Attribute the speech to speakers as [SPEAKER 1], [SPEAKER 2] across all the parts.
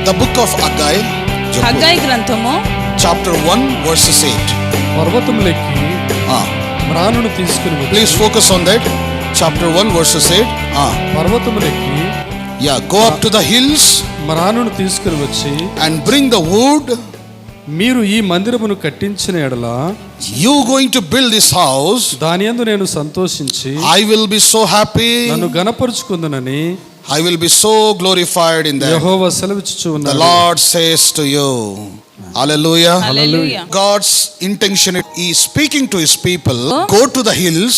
[SPEAKER 1] The book of Haggai.
[SPEAKER 2] హగ్గయి గ్రంథము
[SPEAKER 1] Chapter 1 verses 8.
[SPEAKER 3] పర్వతములెక్కి మ్రానును తీసుకుని వచ్చి.
[SPEAKER 1] Please focus on that. Chapter 1 verses 8.
[SPEAKER 3] పర్వతములెక్కి
[SPEAKER 1] Go up to the hills
[SPEAKER 3] మ్రానును తీసుకుని వచ్చి
[SPEAKER 1] and bring the wood.
[SPEAKER 3] మీరు ఈ మందిరమును కట్టించిన ఎడల
[SPEAKER 1] You going to build this house.
[SPEAKER 3] దాని యందు నేను సంతోషించి
[SPEAKER 1] I will be so happy.
[SPEAKER 3] నన్ను గణపరుచుకుందునని
[SPEAKER 1] I will be so glorified in that.
[SPEAKER 3] Jehovah సెలవిచ్చుచు
[SPEAKER 1] The
[SPEAKER 3] ఉన్నాడు.
[SPEAKER 1] Lord says to you. Hallelujah.
[SPEAKER 2] Hallelujah.
[SPEAKER 1] God's intention is speaking to his people. Go to the hills.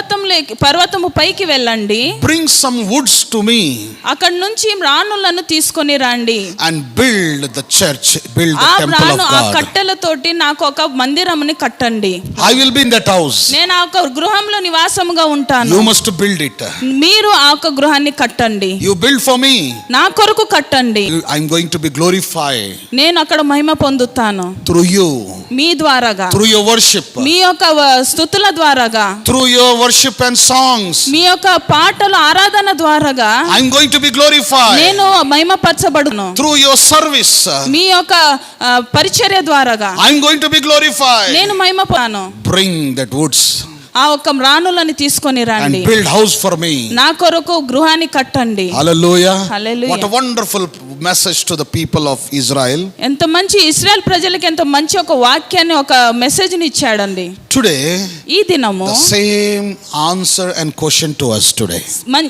[SPEAKER 2] పర్వతము పైకి వెళ్ళండి.
[SPEAKER 1] Bring some woods to me.
[SPEAKER 2] అక్కడ నుంచి రాణులను తీసుకొని రండి.
[SPEAKER 1] And build the church. Build the temple of
[SPEAKER 2] ఆ
[SPEAKER 1] God.
[SPEAKER 2] కట్టెలతోటి నాకు ఒక మందిరముని కట్టండి.
[SPEAKER 1] I will be in that house.
[SPEAKER 2] నేను ఆ ఒక గృహంలో నివాసముగా ఉంటాను.
[SPEAKER 1] You must build it.
[SPEAKER 2] మీరు ఆ ఒక గృహాన్ని కట్టండి.
[SPEAKER 1] You build for me.
[SPEAKER 2] నా కొరకు కట్టండి.
[SPEAKER 1] I'm going to be glorified.
[SPEAKER 2] నేను అక్కడ మహిమ పొందుతాను.
[SPEAKER 1] Through you.
[SPEAKER 2] మీ ద్వారాగా.
[SPEAKER 1] Through your worship.
[SPEAKER 2] మీ యొక్క స్తుతుల ద్వారాగా.
[SPEAKER 1] Through your worship and songs.
[SPEAKER 2] మీ యొక్క పాటలు ఆరాధన ద్వారాగా.
[SPEAKER 1] I'm going to be glorified.
[SPEAKER 2] నేను మహిమపరచబడును.
[SPEAKER 1] Through your service.
[SPEAKER 2] మీ యొక్క పరిచర్య ద్వారాగా.
[SPEAKER 1] I'm going to be glorified.
[SPEAKER 2] నేను మహిమపడను.
[SPEAKER 1] Bring that woods.
[SPEAKER 2] ఆ ఒక్క రాణులను తీసుకొని రండి.
[SPEAKER 1] And build house for me.
[SPEAKER 2] నా కొరకు గృహాన్ని కట్టండి.
[SPEAKER 1] Hallelujah.
[SPEAKER 2] Hallelujah.
[SPEAKER 1] What a wonderful message to the people of Israel.
[SPEAKER 2] ఎంత మంచి ఇశ్రాయేల్ ప్రజలకు ఎంత మంచి ఒక వాక్యాన్ని ఒక మెసేజ్ ని ఇచ్చాడండి.
[SPEAKER 1] Today
[SPEAKER 2] ఈ దినము
[SPEAKER 1] the same answer and question to us today.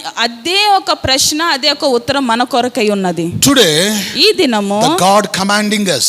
[SPEAKER 2] అదే ఒక ప్రశ్న అదే ఒక ఉత్తరం మన కొరకై ఉన్నది.
[SPEAKER 1] Today
[SPEAKER 2] ఈ దినము
[SPEAKER 1] the God commanding us.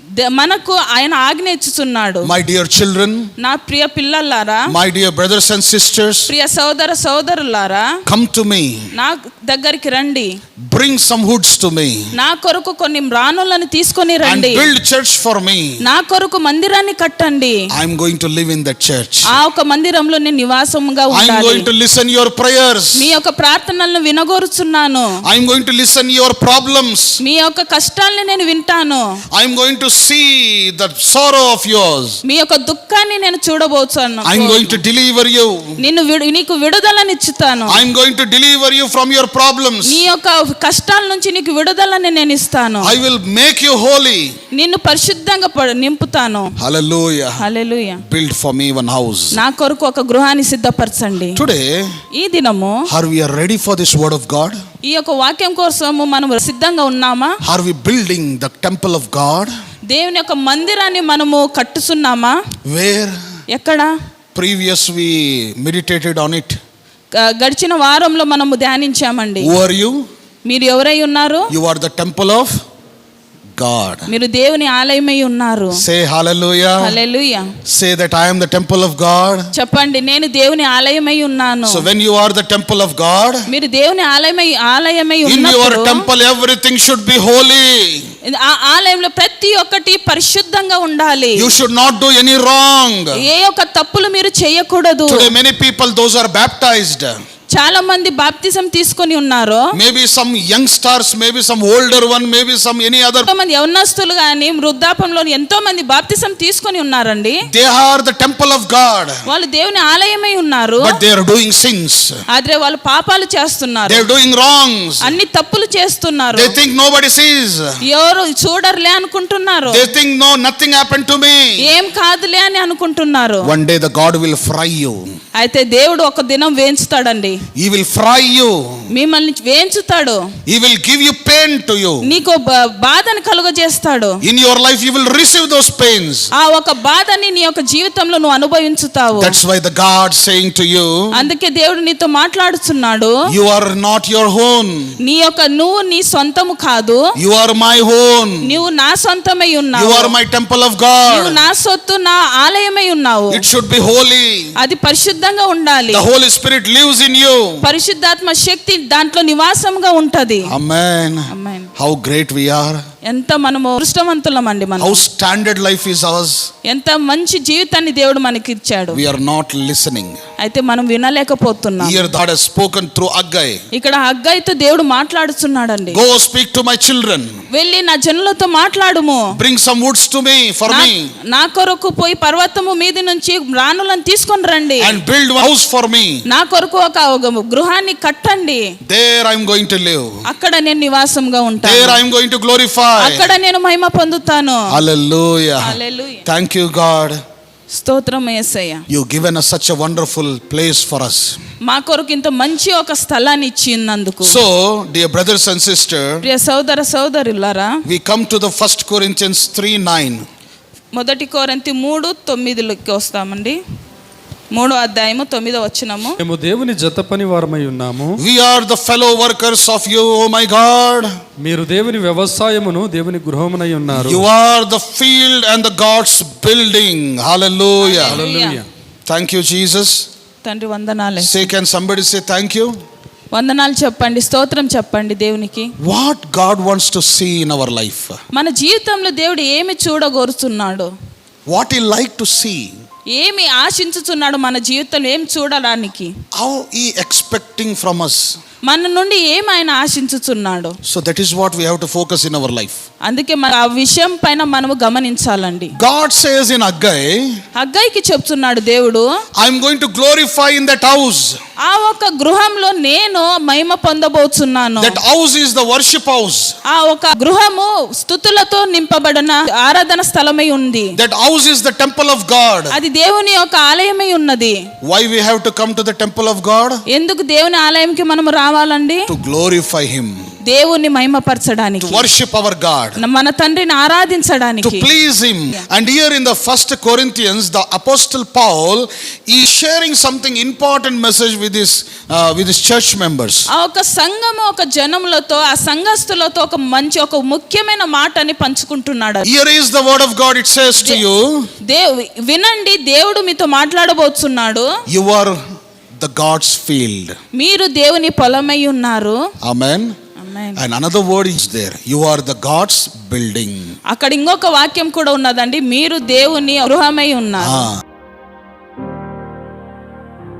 [SPEAKER 2] మనకు ఆయన ఆజ్ఞ ఇచ్చుచున్నాడు.
[SPEAKER 1] My dear children,
[SPEAKER 2] నా ప్రియ పిల్లలారా,
[SPEAKER 1] my dear brothers and sisters,
[SPEAKER 2] ప్రియ సోదర సోదరులారా,
[SPEAKER 1] come to me.
[SPEAKER 2] నా దగ్గరికి రండి.
[SPEAKER 1] Bring some woods to me.
[SPEAKER 2] నా కొరకు కొన్ని రాణులను తీసుకొని
[SPEAKER 1] And
[SPEAKER 2] రండి.
[SPEAKER 1] build church for me.
[SPEAKER 2] నా కొరకు మందిరాన్ని కట్టండి.
[SPEAKER 1] I am going to live in that church.
[SPEAKER 2] ఆ ఒక మందిరంలో నేను నివాసముగా
[SPEAKER 1] I am
[SPEAKER 2] ఉండాలి.
[SPEAKER 1] going to listen your prayers.
[SPEAKER 2] మీ యొక్క ప్రార్థనలను వినగోరుచున్నాను.
[SPEAKER 1] I am going to listen your problems.
[SPEAKER 2] మీ యొక్క కష్టాల్ని నేను వింటాను.
[SPEAKER 1] I am going to see the sorrow of yours.
[SPEAKER 2] మీ యొక్క దుఃఖాన్ని నేను చూడబోచున్నాను.
[SPEAKER 1] I am going to deliver you.
[SPEAKER 2] నీకు విడుదలని ఇచ్చుతాను.
[SPEAKER 1] I am going to deliver you from your problems.
[SPEAKER 2] నీ యొక్క కష్టాల నుంచి నీకు విడుదలని నేను ఇస్తాను.
[SPEAKER 1] I will make you holy.
[SPEAKER 2] నిన్ను పరిశుద్ధంగా నింపుతాను.
[SPEAKER 1] Hallelujah.
[SPEAKER 2] Hallelujah.
[SPEAKER 1] Build for me one house.
[SPEAKER 2] నా కొరకు ఒక గృహాన్ని సిద్ధపరచండి.
[SPEAKER 1] Today,
[SPEAKER 2] ఈ దినము
[SPEAKER 1] are we ready for this word of God?
[SPEAKER 2] ఈ యొక్క వాక్యం కోసము మనం సిద్ధంగా ఉన్నామా?
[SPEAKER 1] Are we building the temple of God?
[SPEAKER 2] దేవుని యొక్క మందిరాన్ని మనము కట్టుచున్నామా?
[SPEAKER 1] Where?
[SPEAKER 2] ఎక్కడ?
[SPEAKER 1] Previous we meditated on it.
[SPEAKER 2] గడిచిన వారంలో మనము ధ్యానించామండి.
[SPEAKER 1] Who are you?
[SPEAKER 2] మీరు ఎవరై ఉన్నారు?
[SPEAKER 1] You are the temple of God.
[SPEAKER 2] మీరు దేవుని ఆలయమై ఉన్నారు.
[SPEAKER 1] Say hallelujah.
[SPEAKER 2] Hallelujah.
[SPEAKER 1] Say that I am the temple of God.
[SPEAKER 2] చెప్పండి, నేను దేవుని ఆలయమై ఉన్నాను.
[SPEAKER 1] So when you are the temple of God,
[SPEAKER 2] మీరు దేవుని ఆలయమై
[SPEAKER 1] in your
[SPEAKER 2] ఉన్నప్పుడు
[SPEAKER 1] temple everything should be holy.
[SPEAKER 2] ఆ ఆలయంలో ప్రతి ఒక్కటి పరిశుద్ధంగా ఉండాలి.
[SPEAKER 1] You should not do any wrong.
[SPEAKER 2] ఏ ఒక్క తప్పులు మీరు చేయకూడదు.
[SPEAKER 1] Today many people, those are baptized.
[SPEAKER 2] చాలా మంది బాప్తిజం తీసుకొని ఉన్నారు.
[SPEAKER 1] Maybe some youngsters, maybe some older one, maybe some any other.
[SPEAKER 2] ఎంతో మంది యవనస్తులు గాని వృద్ధాపంలో ఎంతో మంది బాప్తిజం తీసుకొని ఉన్నారండి.
[SPEAKER 1] They are the temple of God.
[SPEAKER 2] వాళ్ళు దేవుని ఆలయమై ఉన్నారు.
[SPEAKER 1] But they are doing sins.
[SPEAKER 2] ఆದ್ರೆ వాళ్ళు పాపాలు చేస్తున్నారు.
[SPEAKER 1] They are doing wrongs.
[SPEAKER 2] అన్ని తప్పులు చేస్తున్నారు.
[SPEAKER 1] They think nobody sees.
[SPEAKER 2] ఎవరు చూడరులే అనుకుంటున్నారు.
[SPEAKER 1] They think no, nothing happened to me.
[SPEAKER 2] ఏం కాదులే అని అనుకుంటున్నారు.
[SPEAKER 1] One day the God will fry you.
[SPEAKER 2] అయితే దేవుడు ఒక దినం వేంచుతాడండి.
[SPEAKER 1] He will fry you.
[SPEAKER 2] మిమ్మల్ని వేంచుతాడు.
[SPEAKER 1] He will give you pain to you.
[SPEAKER 2] నీకు బాధను కలుగజేస్తాడు.
[SPEAKER 1] In your life you will receive those pains.
[SPEAKER 2] ఆ ఒక బాధని నీ యొక్క జీవితంలో నువ్వు అనుభవించుతావు.
[SPEAKER 1] That's why the God saying to you,
[SPEAKER 2] అందుకే దేవుడు నీతో మాట్లాడుతున్నాడు.
[SPEAKER 1] you are not your own.
[SPEAKER 2] నువ్వు నీ సొంతము కాదు.
[SPEAKER 1] You are my own.
[SPEAKER 2] నువ్వు నా సొంతమై ఉన్నావు.
[SPEAKER 1] You are my temple of God.
[SPEAKER 2] నువ్వు నా సొత్తు, నా ఆలయమై ఉన్నావు.
[SPEAKER 1] It should be holy.
[SPEAKER 2] అది పరిశుద్ధంగా ఉండాలి.
[SPEAKER 1] The Holy Spirit lives in you.
[SPEAKER 2] పరిశుద్ధాత్మ శక్తి దాంట్లో నివాసంగా ఉంటది.
[SPEAKER 1] Amen.
[SPEAKER 2] Amen.
[SPEAKER 1] How great we are.
[SPEAKER 2] ఎంత మనము అదృష్టవంతులమండి మనం.
[SPEAKER 1] How standard life is ours.
[SPEAKER 2] ఎంత మంచి జీవితాన్ని దేవుడు మనకి ఇచ్చాడు.
[SPEAKER 1] We are not listening.
[SPEAKER 2] అయితే మనం వినలేకపోతున్నాం.
[SPEAKER 1] Here God has spoken through Haggai.
[SPEAKER 2] ఇక్కడ హగ్గయితో దేవుడు మాట్లాడుతున్నాడండి.
[SPEAKER 1] Go speak to my children.
[SPEAKER 2] వెళ్ళి నా జనులతో మాట్లాడుము.
[SPEAKER 1] Bring some woods to me for me.
[SPEAKER 2] నా కొరకు పోయి పర్వతము మీది నుంచి రాణులను తీసుకొని రండి.
[SPEAKER 1] And build a house for me.
[SPEAKER 2] నా కొరకు ఒక గృహాన్ని కట్టండి.
[SPEAKER 1] There I am going to live.
[SPEAKER 2] అక్కడ నేను నివాసంగా ఉంటాను.
[SPEAKER 1] There I am going to glorify.
[SPEAKER 2] అక్కడ నేను మహిమ పొందుతాను.
[SPEAKER 1] Hallelujah.
[SPEAKER 2] Hallelujah.
[SPEAKER 1] Thank you, God.
[SPEAKER 2] స్తోత్రం యేసయ్య.
[SPEAKER 1] You've given us such a wonderful place for us.
[SPEAKER 2] మా కొరకు ఇంత మంచి ఒక స్థలాన్ని ఇచ్చినందుకు.
[SPEAKER 1] So, dear brothers and sisters,
[SPEAKER 2] ప్రియ సోదర సోదరులారా,
[SPEAKER 1] we come to the 1 Corinthians 3:9.
[SPEAKER 2] మొదటి కొరింథీ 3:9 వస్తామండి. 3:9
[SPEAKER 3] మేము దేవుని జత పని వారమై ఉన్నాము.
[SPEAKER 1] We are the fellow workers of you, oh my God.
[SPEAKER 3] మీరు దేవుని వ్యవసాయమును దేవుని గృహమునై ఉన్నారు.
[SPEAKER 1] You are the field and the God's building. Hallelujah.
[SPEAKER 3] Hallelujah.
[SPEAKER 1] Thank you, Jesus.
[SPEAKER 2] తండ్రి వందనాలు.
[SPEAKER 1] Say, can somebody say thank you?
[SPEAKER 2] వందనాలు చెప్పండి, స్తోత్రం చెప్పండి దేవునికి.
[SPEAKER 1] What God wants to see in our life.
[SPEAKER 2] మన జీవితంలో దేవుడు ఏమి చూడగోరుతున్నాడు?
[SPEAKER 1] What He like to see.
[SPEAKER 2] ఏమి ఆశించుతున్నాడు మన జీవితంలో ఏం చూడడానికి?
[SPEAKER 1] How He expecting from us.
[SPEAKER 2] మన నుండి ఏమి ఆయన ఆశించుతున్నాడు?
[SPEAKER 1] So that is what we have to focus in our life.
[SPEAKER 2] అందుకే మన ఆ విషయం పైన మనము గమనించాలండి.
[SPEAKER 1] God says in Haggai,
[SPEAKER 2] హగ్గయికి చెప్తున్నాడు దేవుడు,
[SPEAKER 1] I am going to glorify in that house.
[SPEAKER 2] ఆ ఒక గృహంలో నేను మహిమ పొందబోతున్నాను.
[SPEAKER 1] That house is the worship house.
[SPEAKER 2] ఆ ఒక గృహము స్తుతులతో నింపబడిన ఆరాధన స్థలమై ఉంది.
[SPEAKER 1] That house is the temple of God.
[SPEAKER 2] అది దేవుని యొక్క ఆలయమై ఉన్నది.
[SPEAKER 1] Why we have to come to the temple of God?
[SPEAKER 2] ఎందుకు దేవుని ఆలయంకి మనము రావాలండి?
[SPEAKER 1] To glorify Him.
[SPEAKER 2] దేవుని మహిమపరచడానికి,
[SPEAKER 1] To worship our God.
[SPEAKER 2] మన తండ్రిని
[SPEAKER 1] To
[SPEAKER 2] ఆరాధించడానికి.
[SPEAKER 1] please Him. And here in the 1 Corinthians, the Apostle Paul is sharing something important message with his church members.
[SPEAKER 2] ఆ ఒక సంఘము ఒక జనములతో, ఆ సంఘస్థులతో ఒక మంచి ఒక ముఖ్యమైన మాటని పంచుకుంటున్నాడు.
[SPEAKER 1] Here is the word of God. It says to you,
[SPEAKER 2] వినండి, దేవుడు మీతో మాట్లాడబోతున్నాడు.
[SPEAKER 1] you are the God's field.
[SPEAKER 2] మీరు దేవుని పొలమై ఉన్నారు.
[SPEAKER 1] Amen.
[SPEAKER 2] Amen.
[SPEAKER 1] And another word is there. You are the God's building.
[SPEAKER 2] అక్కడ ఇంకొక వాక్యం కూడా ఉన్నదండి, మీరు దేవుని గృహమై ఉన్నారు.